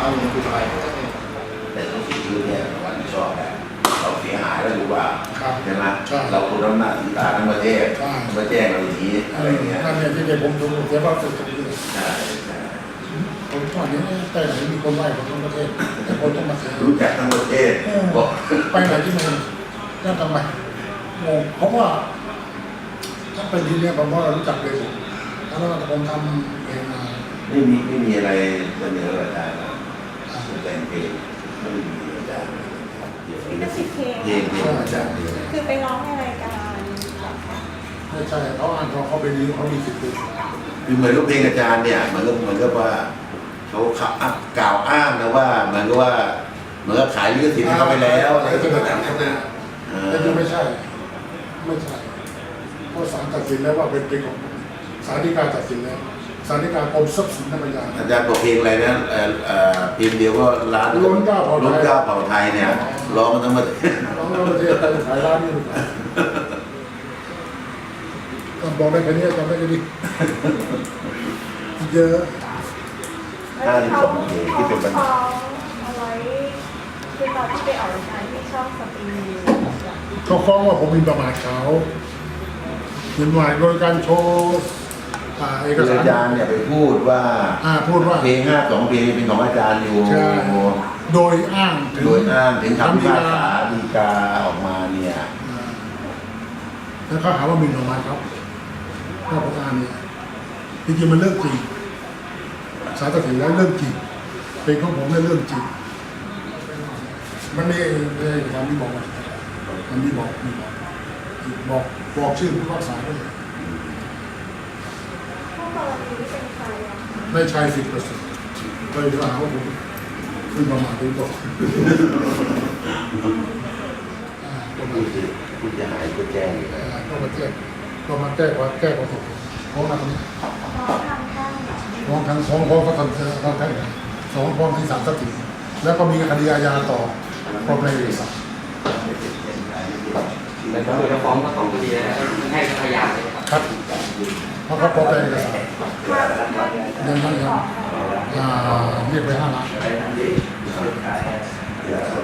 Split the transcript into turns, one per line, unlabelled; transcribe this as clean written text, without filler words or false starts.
เอาเงินคุณไป
แต่ต้องสิ่งที่เนี่ยวันที่ชอบแบบเราเสียหายแล้วรู้ว่าใช่ไหมเราคนน้ำหนักสีตาทั้งประเทศมาแจ้งเราอย่างนี้อะไรเงี้ย
นั่นเนี่ยที่เด็กผมดูเสียความสุขตรงนี้
ใช่
ผมตอนนี้แต่ไหนมีคนไหว้ผมทั้งประเทศแต่คนต้องมาเสีย
รู้จักทั้งประเทศบอก
ไปไหนที่มันนั่นทำไมงงเพราะว่าถ้าเป็นที่นี้ผมว่าเรารู้จักเลยแล้วผมทำเองมา
ไม่มีอะไรเสนออาจารย์แต่งเพลงไม่มีอาจารย์เพลงอาจารย์เดียว
คือไปร้องในรายการ
ไม่ใช่เขาอ่านเขาเป็นนี้เขามีสิทธิ์ดู
คือเหมือนกับเพลงอาจารย์เนี่ยมันก็ว่าเขากล่าวอ้างนะว่าเหมือนกับว่าเหมือนกับขายลิขสิทธิ์ให้เขาไปแล้วอะไรต่างๆนะ
แต่ที่ไม่ใช่เพราะศาลตัดสินแล้วว่าเป็นเพลงของศาลฎีกาตัดสินแล้วศาลฎีกากรมทรัพย์สินธรรมยา
อาจารย์บอกเพลงอะไรนะเพลงเดียวก็ร้าน
ล้นเก้าเ
ผ่าไทยเนี่ยร้องทั้งหมด
ร้องทั้งประเทศแต่ขายร้านนี้หรือเปล่าบอกได้แค่นี้จำได้แค่นี้เยอะ
52 เพลงที่เป็นปัญหา
เอาไว้คือตอนที่ไปออกรายการที่ช่องสตรีม
เขาฟ้องว่าผมมีประมาทเขาเห็นว่าโดยการโชว์เอกสาร
อาจารย์เนี่ยไปพูดว่าเพลง52 เพลงเป็นของอาจารย์อยู่
โดยอ้าง
ถึงคำพิพากษาฎีกาออกมาเนี่ย
แล้วเขาหาว่ามีประมาทครับข้อพิพากษาเนี่ยจริงๆมันเรื่องจริงศาลตัดสินแล้วเรื่องจริงเป็นของผมเรื่องจริงมันมีความที่บอกมันมีบอกชื่อผู้พิพากษาด้วยไม่ใช่10%เลยจะหาว่าผมขึ้นประมาณนี้ก็
ผู้จะหายก็แจ้ง
ก็มาแก้ว่าแก้ความถูกเพราะว่าตรงนี้ฟ้องทั้งฟ้องก็ทำทั้งสองฟ้องที่ศาลตัดสินแล้วก็มีคดีอาญาต่อพร้อมในเอกสาร
แต่ตำรวจจะฟ้องก็ต้องคดีแล้วให้พยานเลย
ครับเพราะเขาพร้อมในเอกสารยังเรียกไป5 ล้าน